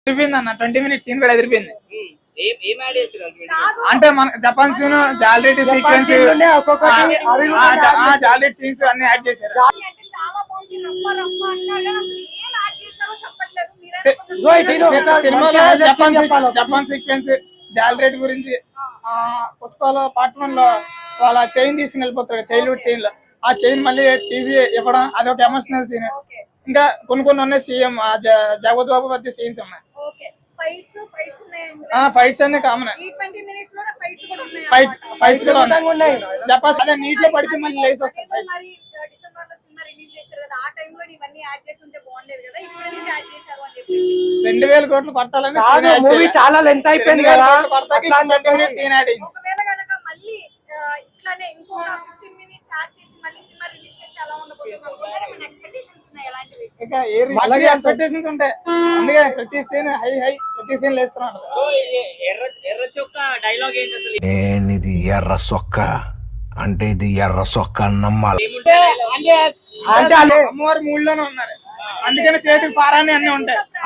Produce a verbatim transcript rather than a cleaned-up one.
అదిరిపోయింది అన్న twenty minutes scene కూడా అదిరిపోయింది. అంటే మన జపాన్ సీన్ జాలరీ సీక్వెన్స్ జాలరీ సీన్స్ అన్ని యాడ్ చేశారు. సినిమాలో జపాన్ జపాన్ సీక్వెన్స్ జాలరీ గురించి పుష్పలో పార్ట్ వన్ లో వాళ్ళ చైన్ తీసుకుని వెళ్ళిపోతాడు చైల్డ్హుడ్ సీన్ లో. ఆ చైన్ మళ్ళీ తీసి ఇవ్వడం అదొక ఎమోషనల్ సీన్. ఇంకా కొన్ని కొన్ని ఉన్నాయి సీఎం జగవత్ బాబు మధ్య సీన్స్ ఉన్నాయి. ఫైట్స్ అన్ని కామన్. ఫైట్స్ ఫైట్స్ కూడా ఉన్నాయి. జపాన్ అదే నీట్ లో పడితే మళ్ళీ లేసి వస్తాయి. రెండు వేల కోట్లు కొట్టాలని మూవీ చాలా లెంత్ అయిపోయింది కదా. అలాగే ఎక్స్పెక్టేషన్స్ ఉంటాయి. అందుకే ప్రతి సీన్ హై హై ప్రతి సీన్ లేస్తున్నాను. ఇది ఎర్ర సొక్క అంటే ఇది ఎర్ర సొక్క నమ్మాలి అంటే అమ్మవారి మూడులోనే ఉన్నారు. అందుకని చేతికి పారాని అన్ని ఉంటాయి.